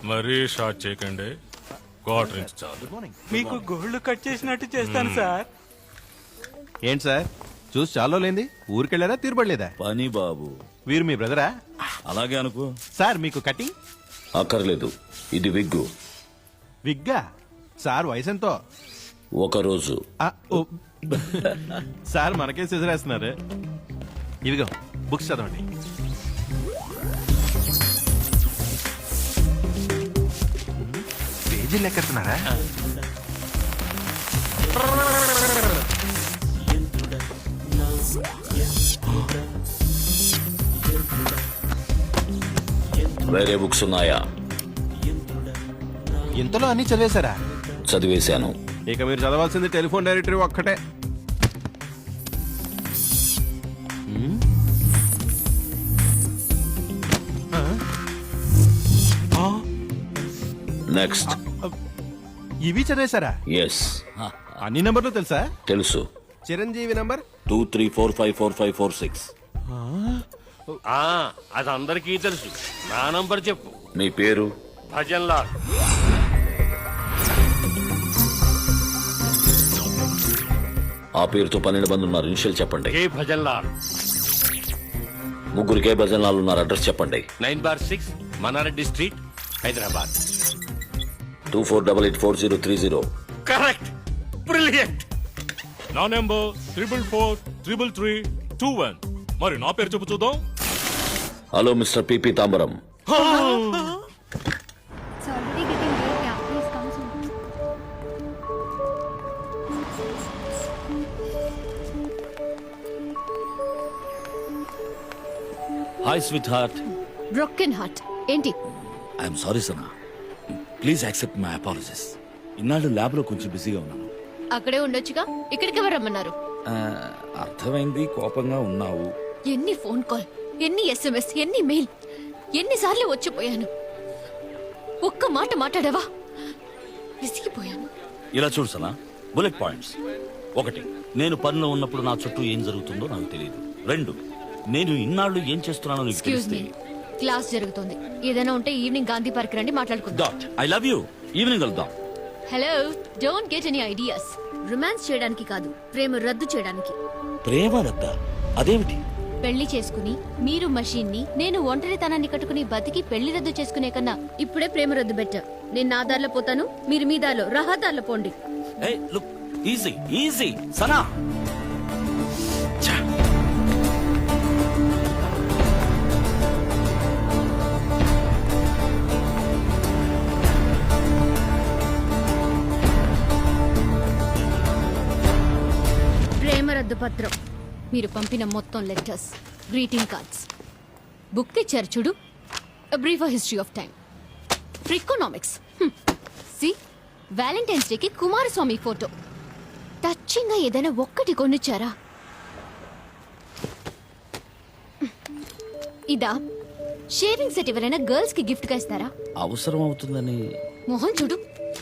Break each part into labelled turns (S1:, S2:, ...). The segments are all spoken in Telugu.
S1: మరీ షార్ట్ చేయకండి. క్వార్టర్ ఇంచ్ చాలు.
S2: మీకు గోల్డ్ కట్ చేసినట్టు చేస్తాను సార్.
S3: ఏంటి సార్ చూసి చాలా లేంది, ఊరికెళ్ళారా తీరుబడలేదా?
S4: పని బాబు.
S3: వీరు మీ బ్రదరా?
S4: అలాగే అనుకో.
S3: సార్ మీకు కటింగ్
S4: అక్కర్లేదు, ఇది విగ్గు.
S3: విగ్గా? సార్ వయసు ఎంతో?
S4: ఒకరోజు.
S3: సార్ మనకే సిజరేస్తున్నారు. ఇదిగో బుక్స్ చదవండి. పేజీలు లెక్కెడుతున్నారా?
S4: వేరే బుక్స్ ఉన్నాయా?
S3: ఇంతలో అన్ని చదివేశారా?
S4: చదివేశాను.
S3: ఇక మీరు చదవాల్సింది టెలిఫోన్ డైరెక్టరీ ఒక్కటే.
S4: నెక్స్ట్.
S3: ఇవి చదివేశారా?
S4: ఎస్.
S3: అన్ని నంబర్లు తెలుసా?
S4: తెలుసు.
S3: చిరంజీవి నంబర్
S4: 23454546.
S1: అది అందరికీ తెలుసు. నా నంబర్ చెప్పు.
S4: మీ పేరు?
S1: భజన్ లాల్.
S4: ఆ పేరుతో 12 మంది ఉన్నారు. ఇనిషియల్ చెప్పండి.
S1: కే భజన్ లాల్.
S4: ముగ్గురికే భజన్ లాల్ ఉన్నారు. అడ్రస్ చెప్పండి.
S1: 9/6 Manareddy street, Hyderabad.
S4: 24884030.
S1: Correct. Brilliant. నా నెంబర్ 4443321. మరి నా పేరు చెప్పు చూద్దాం.
S4: Hello mister P P Tambaram.
S5: It's already getting late. Yeah, please come soon.
S4: Hi sweet heart.
S6: Broken heart ఏంటి?
S4: I'm sorry Sana. Please accept my apologies. ఇన్నాళ్ళు ల్యాబ్ లో కొంచెం బిజీగా ఉన్నాను.
S6: అక్కడే ఉండొచ్చుగా, ఇక్కడికి ఎవరు రమ్మన్నారు?
S4: అర్థమైంది, కోపంగా ఉన్నావు.
S6: ఎన్ని ఫోన్ కాల్, ఎన్ని SMS, ఎన్ని మెయిల్, ఎన్నిసార్లు వచ్చిపోయాను. ఒక్క మాట మాట్లాడావా? విసిగిపోయాను.
S4: ఇలా చూడు సనా, బుల్లెట్ పాయింట్స్. 1, నేను పనిలో ఉన్నప్పుడు నా చుట్టూ ఏం జరుగుతుందో నాకు తెలియదు. 2, నేను ఇన్నాళ్ళు ఏం చేస్తున్నానో నీకు
S6: ఎక్స్క్యూజ్ మీ,
S4: తెలిస్తే.
S6: క్లాస్ జరుగుతోంది. ఏదైనా ఉంటే ఈవినింగ్ గాంధీ పార్క్ రండి, మాట్లాడుకుందాం.
S4: Dot I love you. Evening వెళ్దాం.
S6: Hello, don't get any ideas. Romance చేయడానికి కాదు, ప్రేమ రద్దు చేయడానికి.
S4: ప్రేమ రద్దా? అదేమిటి?
S6: పెళ్లి చేసుకుని మీరు మషీన్ ని, నేను ఒంటరితనాన్ని కట్టుకుని బతికి పెళ్లి రద్దు చేసుకునే కన్నా ఇప్పుడే ప్రేమ రద్దు బెటర్. నేను నా దారిలో పోతాను, మీరు మీ దారిలో రహదారిలో పోండి.
S4: ఏయ్ లుక్, ఈజీ ఈజీ సనా.
S6: ప్రేమ రద్దు పత్రం, మీరు పంపిన మొత్తం లెటర్స్, గ్రీటింగ్ కార్డ్స్, బుక్ తెచ్చారు చూడు, brief history of time, Freakonomics. See, valentine's డేకి కుమారస్వామి ఫోటో. టచింగ్ గా ఏదైనా ఒక్కటి కొనిచ్చారా? ఇదా షేవింగ్ సెట్ ఎవరైనా గర్ల్స్ కి గిఫ్ట్ గా ఇస్తారా?
S4: అవసరం అవుతుందని.
S6: మొహం చూడు.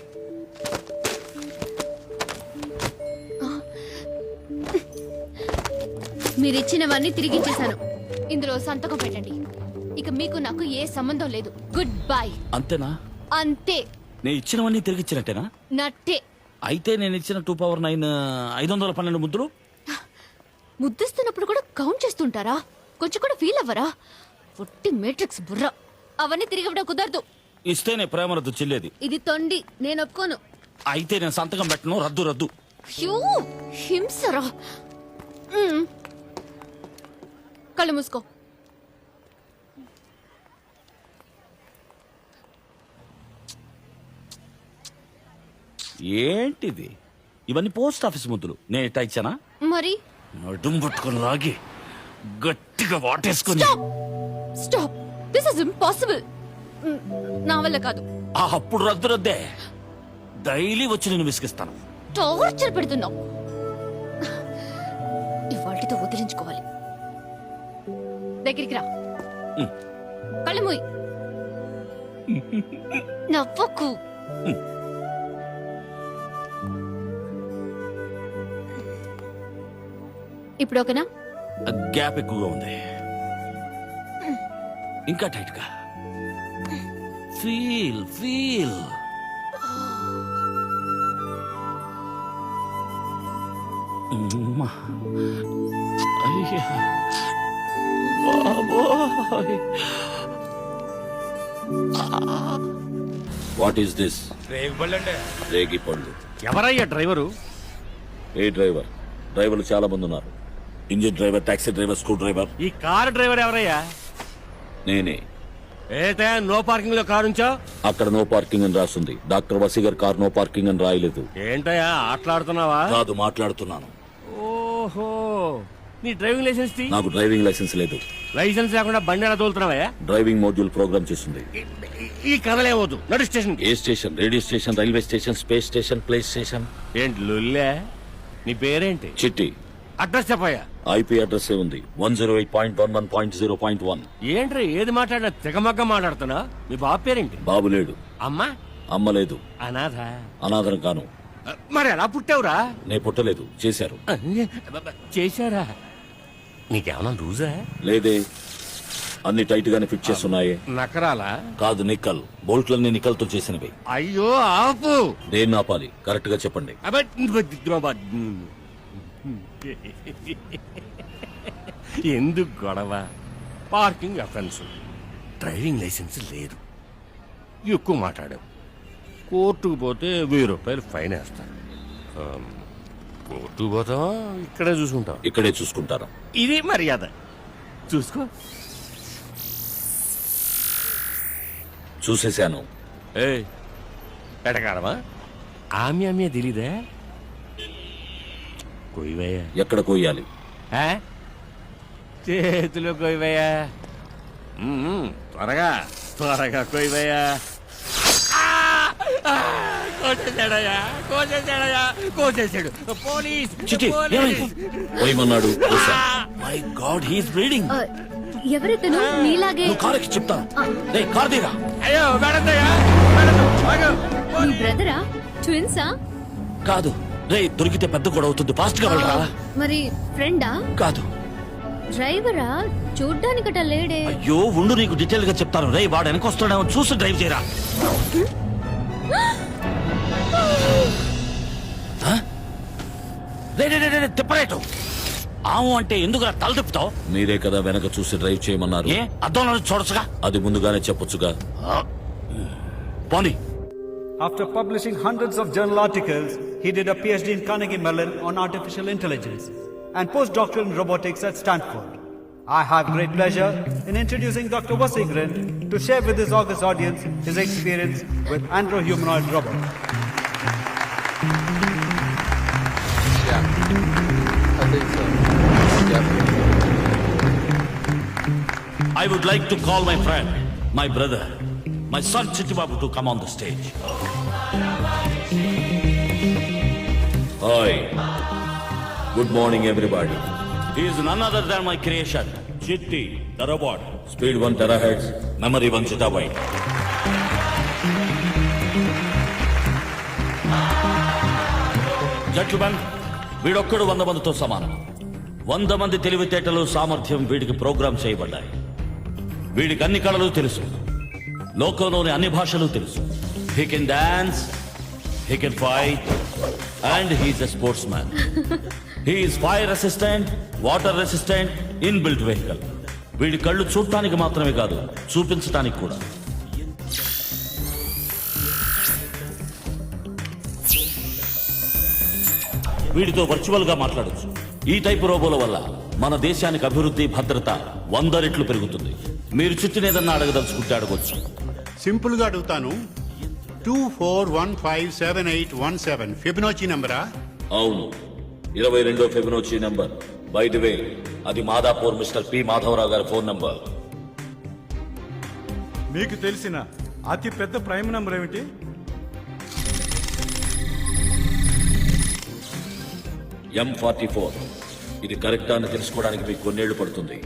S6: మీరిచ్చినవన్నీ తిరిగిచ్చేశాను. ఇందులో సంతకం పెట్టండి. ఇక మీకు నాకు ఏ సంబంధం లేదు. Goodbye.
S4: అంతేనా?
S6: అంతే.
S4: నేను ఇచ్చినవన్నీ తిరిగి ఇచ్చినట్టేనా?
S6: నట్టే.
S4: అయితే నేను ఇచ్చిన 2/9 512 ముద్దులు
S6: ముద్దిస్తున్నప్పుడు కూడా కౌంట్ చేస్తుంటారా? కొంచెం కూడా ఫీల్ అవ్వరా? ఒట్టి మేట్రిక్స్ బుర్ర. అవన్నీ తిరిగి ఇవ్వడం కుదరదు.
S4: ఇస్తేనే ప్రేమ రద్దు చెల్లేది.
S6: ఇది తొండి, నేను ఒప్పుకోను.
S4: అయితే నేను సంతకం పెట్టను. రద్దు రద్దు.
S6: హ్యూ, హింసరా. కళ్ళు మూసుకో.
S4: ఏంటిది? ఇవన్నీ పోస్ట్ ఆఫీస్ ముద్దులు. నేను ఎట్టా ఇచ్చానా?
S6: మరి
S4: నడుం పట్టుకొని లాగి గట్టిగా వాటేసుకొని.
S6: స్టాప్. This is impossible. నా వల్ల కాదు.
S4: అప్పుడు రద్దు రద్దే. డైలీ వచ్చి నేను విసిగిస్తాను.
S6: టార్చర్ పెడుతున్నావు. ఇవాళతో వదిలించుకోవాలి. దగ్గరికి రా. కళ్ళు మూయి. నవ్వకు. ఇప్పుడు ఓకేనా?
S4: గ్యాప్ ఎక్కువగా ఉంది. ఇంకా టైట్ గా. ఫీల్ ఫీల్ అయ్యా బాబోయ్. What is this? రేగి పళ్ళు.
S1: ఎవరయ్యా డ్రైవరు?
S4: ఏ డ్రైవర్? డ్రైవర్లు చాలా మంది ఉన్నారు. Engine driver, taxi driver, screwdriver.
S1: ఈ కారు డ్రైవర్ ఎవరయ్యా?
S4: నేనే.
S1: ఏటే నో పార్కింగ్ లో కారు ఉంచా?
S4: అక్కడ నో పార్కింగ్ అని రాస్తుంది. Doctor Vaseegar car no parking అని రాయలేదు.
S1: ఏంటయ్యా ఆటలాడుతున్నావా?
S4: కాదు, మాట్లాడుతున్నాను.
S1: ఓహో, నీ డ్రైవింగ్ లైసెన్స్ తీ.
S4: నాకు డ్రైవింగ్ లైసెన్స్ లేదు.
S1: లైసెన్స్ లేకుండా బండి ఎలా తోలుతున్నావా?
S4: డ్రైవింగ్ మోడ్యూల్ ప్రోగ్రామ్ చేస్తుంది.
S1: ఈ కథలేవద్దు, నడు స్టేషన్.
S4: ఏ station? Radio station, railway station, space station, place station.
S1: ఏంటి లొల్లే? నీ పేరేంటి?
S4: చిట్టి.
S1: అడ్రస్ చెప్పయ్యా.
S4: ఐపీ అడ్రస్ ఉంది 108.11.0.1.
S1: ఏంట్రా ఏది మాట్లాడినా తెగమగ్గ మాట్లాడుతున్నా? మీ బాబు పేరేంటి?
S4: బాబు లేడు.
S1: అమ్మా?
S4: అమ్మ లేదు.
S1: అనాథ?
S4: అనాథరం కాను.
S1: మరి ఎలా పుట్టావురా?
S4: నే పుట్టలేదు, చేశారు.
S1: చేశారా? నీకేమన్నా లూజా?
S4: లేదే, అన్ని టైట్ గానే ఫిట్ చేస్తున్నాయే.
S1: నకరాలా?
S4: కాదు, నిక్కల్. బోల్ట్లన్నీ నిక్కల్తో చేసినవి.
S1: అయ్యో ఆపు.
S4: దేన్ని ఆపాలి? కరెక్ట్ గా చెప్పండి.
S1: ఎందుకు గొడవ? పార్కింగ్ అఫెన్స్, డ్రైవింగ్ లైసెన్స్ లేదు, ఎక్కువ మాట్లాడావు. కోర్టుకు పోతే 1000 రూపాయలు ఫైన్ వేస్తారు. కోర్టుకు పోతావా ఇక్కడే చూసుకుంటావు?
S4: ఇక్కడే చూసుకుంటాను.
S1: ఇది మర్యాద. చూసుకో.
S4: చూసేశాను.
S1: ఎటకారమా? ఆమె తెలీదా? కొయ్యవయ్యా.
S4: ఎక్కడ కొయ్యాలి?
S1: చేతిలో కొయ్యవయ్యా. త్వరగా త్వరగా కొయ్యవయ్యా. కోసేసాడు. పోలీస్
S4: చిట్టి, ఏమైంది? కొయ్యమన్నాడు. My god, he's bleeding.
S6: ఎవరితను నీలాగే?
S4: నువ్వు కారుకి చెప్తాను. రే, కారు దిగా.
S1: అయ్యో మేడద్దయ్యా.
S6: నీ బ్రదరా? ట్విన్సా?
S4: కాదు. రే, దొరికితే పెద్ద గొడవ అవుతుంది. ఫాస్ట్ గా వెళ్ళరా.
S6: మరి ఫ్రెండా?
S4: కాదు.
S6: డ్రైవరా? చూడ్డానికట లేడే.
S4: అయ్యో ఉండు, నీకు డీటెయిల్ గా చెప్తాను. రే, వాడు వెనకొస్తాడేమో చూసి డ్రైవ్ చేయరా. తిప్పరేటు. ఆవు అంటే ఎందుకు తల తిప్పుతావు? మీరే కదా వెనక చూసి డ్రైవ్ చేయమన్నారు. ఏ అద్దంలో చూడొచ్చుగా. అది ముందుగానే చెప్పొచ్చుగా. పోనీ.
S7: After publishing hundreds of journal articles, he did a PhD in Carnegie Mellon on artificial intelligence and postdoctoral in robotics at Stanford. I have great pleasure in introducing Dr. Vasingren to share with his august audience his experience with andro-humanoid robots.
S8: I think so. Yep.
S4: I would like to call my friend, my brother, my son Chittibabu to come on the stage. Hi. Good morning, everybody. He is none other than my creation, Chitti, the robot. Speed 1 terahertz, memory 1 zettabyte. Gentlemen, వీడొక్కడు 100 మందితో సమానం. 100 మంది తెలివితేటలు, సామర్థ్యం వీడికి ప్రోగ్రామ్ చేయబడ్డాయి. వీడికి అన్ని కళలు తెలుసు, లోకంలోని అన్ని భాషలు తెలుసు. He can dance, he can fight, and he's a sportsman. He's fire resistant, water resistant, inbuilt vehicle. వీడి కళ్ళు చూడటానికి మాత్రమే కాదు, చూపించటానికి కూడా. వీడితో వర్చువల్ గా మాట్లాడొచ్చు. ఈ టైపు రోబోల వల్ల మన దేశానికి అభివృద్ధి, భద్రత 100 రెట్లు పెరుగుతుంది. మీరు చుట్టూనేదన్నా అడగదలుచుకుంటే అడగొచ్చు.
S9: సింపుల్ గా అడుగుతాను. 24157817 ఫిబొనాచి నంబరా?
S4: అవును, 22వ Fibonacci number. By the way, అది మాదాపూర్ మిస్టర్ పి మాధవరావు గారి ఫోన్ నంబర్.
S7: మీకు తెలిసిన అతి పెద్ద ప్రైమ్ నంబర్ ఏమిటి?
S4: M44. ఇది కరెక్టా అని తెలుసుకోవడానికి మీకు కొన్నేళ్లు పడుతుంది.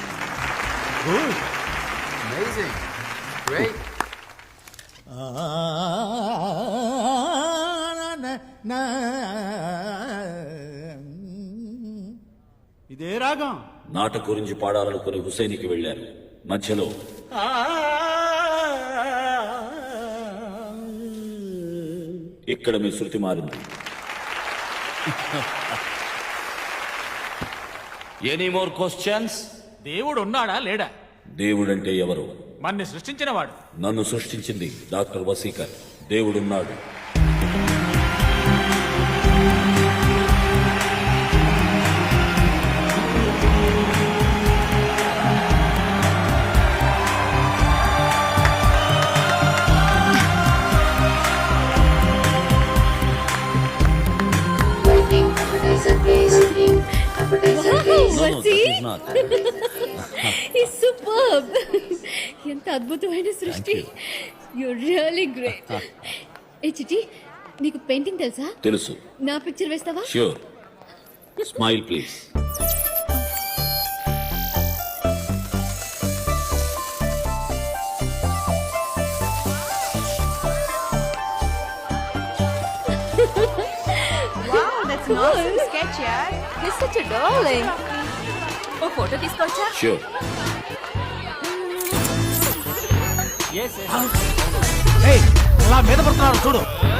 S8: Amazing. Great.
S7: ఇదే రాగం.
S4: నాట గురించి పాడాలనుకుని హుసేనికి వెళ్లారు. మధ్యలో ఇక్కడ మీ శృతి మారింది. Any more questions?
S2: దేవుడు ఉన్నాడా లేడా?
S4: దేవుడంటే ఎవరు?
S2: మన్ని సృష్టించిన వాడు.
S4: నన్ను సృష్టించింది డాక్టర్ వసీకర్. దేవుడున్నాడు.
S6: సూపర్. ఎంత అద్భుతమైన సృష్టి. You really great. ఏ చిటి, నీకు పెయింటింగ్ తెలుసా?
S4: తెలుసు.
S6: నా పిక్చర్ వేస్తావా?
S4: Sure. Smile please.
S5: Wow, that's an awesome sketch, yaar. He's such a darling. ఓ ఫోటో తీసుకోవచ్చా?
S4: ష్యూర్.
S2: అలా మీద పడుతున్నారు చూడు.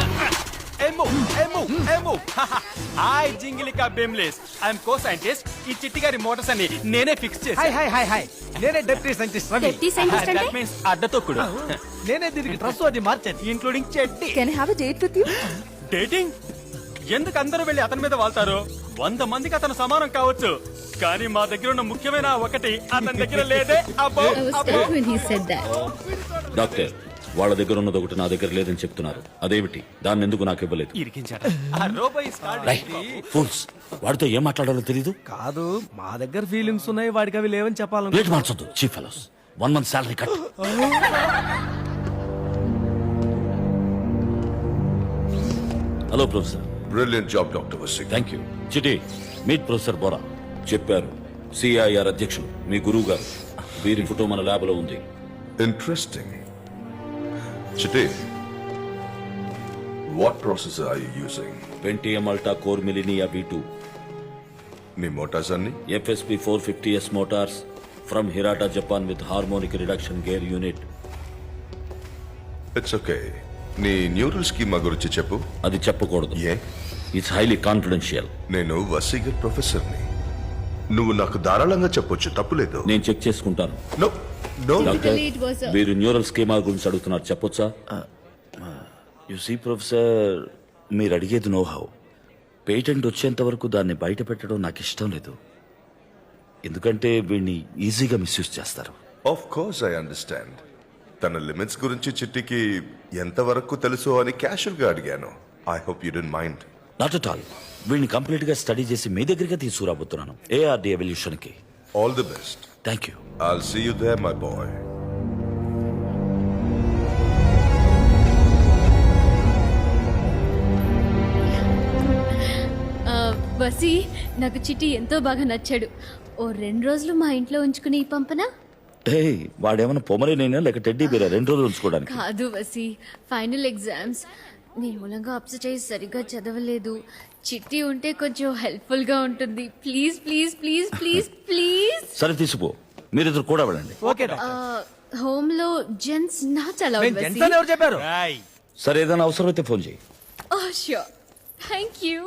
S2: హాయ్ జింగిలికా బెమ్లేస్. I'm co scientist. ఈ చిట్టి గారి మోటార్స్ అన్ని నేనే ఫిక్స్ చేశాను.
S7: హాయ్ నేనే డెప్యూటీ సైంటిస్ట్
S6: Deputy scientist అంటే?
S2: దట్ మీన్స్ అడ్డతొక్కుడు.
S7: నేనే దీనికి డ్రెస్ అది మార్చాను.
S2: Including Chetti.
S5: Can I have a date with you?
S2: Dating? ఎందుకు అందరూ వెళ్ళి అతని మీద వాళ్తారు? 100 మందికి అతను సమానం కావచ్చు, కానీ మా దగ్గర ఉన్న ముఖ్యమైన ఒకటి అతని దగ్గర లేదే. అబ్బో
S6: I was
S2: అబ్బో.
S6: stuck when he said that.
S4: Doctor, వాళ్ళ దగ్గర ఉన్నది ఒకటి నా దగ్గర లేదని చెప్తున్నారు. అదేమిటి? దాన్ని ఎందుకు నాకు ఇవ్వలేదు?
S2: ఇరికించాడు. ఆ రోబో ఇస్ కాల్డ్
S4: ఫూల్స్. వాడితో ఏం మాట్లాడాలో తెలీదు.
S7: కాదు, మా దగ్గర ఫీలింగ్స్ ఉన్నాయి, వాడికి అవి లేవని చెప్పాలను.
S4: రేట్ మార్చొద్దు. Chief fellows. 1 month salary cut. Hello professor.
S10: Brilliant job, Dr. Vasik.
S4: Thank you. Chiti, meet professor Bora. చెప్పారు సిఐఆర్ అధ్యక్షులు మీ గురువు గారు. వీరి ఫోటో మన ల్యాబ్ లో ఉంది.
S10: Interesting. Chite, what processor are you using?
S4: Pentium Alta Core Millennia V2.
S10: నీ motors అన్ని
S4: FSP 450S motors from Hirata, Japan with harmonic reduction gear unit.
S10: It's okay. నీ న్యూరల్ స్కీమా గురించి చెప్పు.
S4: అది చెప్పకూడదు.
S10: ఏ?
S4: It's highly confidential.
S10: నేను వసీగర్ ప్రొఫెసర్ని. నువ్వు నాకు ధారాళంగా చెప్పొచ్చు, తప్పులేదు.
S4: నేను చెక్ చేసుకుంటాను.
S10: No no.
S4: Doctor,
S6: it was a-
S4: వీరు న్యూరల్ స్కీమా గురించి అడుగుతున్నారు, చెప్పొచ్చా? యు సీ ప్రొఫెసర్, మీరు అడిగేది నో హౌ. పేటెంట్ వచ్చేంత వరకు దాన్ని బయట పెట్టడం నాకు ఇష్టం లేదు. ఎందుకంటే వీడిని ఈజీగా మిస్యూజ్ చేస్తారు.
S10: Of course I understand. తన లిమిట్స్ గురించి చిట్టికి ఎంతవరకు తెలుసు అని క్యాషువల్ గా అడిగాను. I hope you don't mind.
S4: Not at all. వీడిని కంప్లీట్ గా స్టడీ చేసి మీ దగ్గరికి తీసుకురాబోతున్నాను, ఏఆర్డి ఎవల్యూషన్ కి.
S10: All the best.
S4: Thank you.
S10: I'll see you there, my boy.
S6: Vasi, నాకు చిట్టి ఎంతో బాగా నచ్చాడు. ఓ 2 రోజులు మా ఇంట్లో ఉంచుకుని పంపనా?
S4: వాడేమైనా పొమరేనైనా లేక టెడ్డీ బేరా 2 రోజులు ఉంచుకోవడానికి?
S6: కాదు వసి, ఫైనల్ ఎగ్జామ్స్. నీ మూలంగా అప్సెట్ అయ్యి సరిగ్గా చదవలేదు. చిట్టి ఉంటే కొంచెం హెల్ప్ఫుల్ గా ఉంటుంది. Please please please please please.
S4: సరే తీసుకో, మీరిద్దరు కూడా వెళ్ళండి.
S7: ఓకే
S6: హోమ్ లో జెంట్స్ నా చాలా
S7: ఎవరు చెప్పారు?
S4: సరే, ఏదైనా అవసరం అయితే ఫోన్ చేయి.
S6: ష్యూర్. Thank you.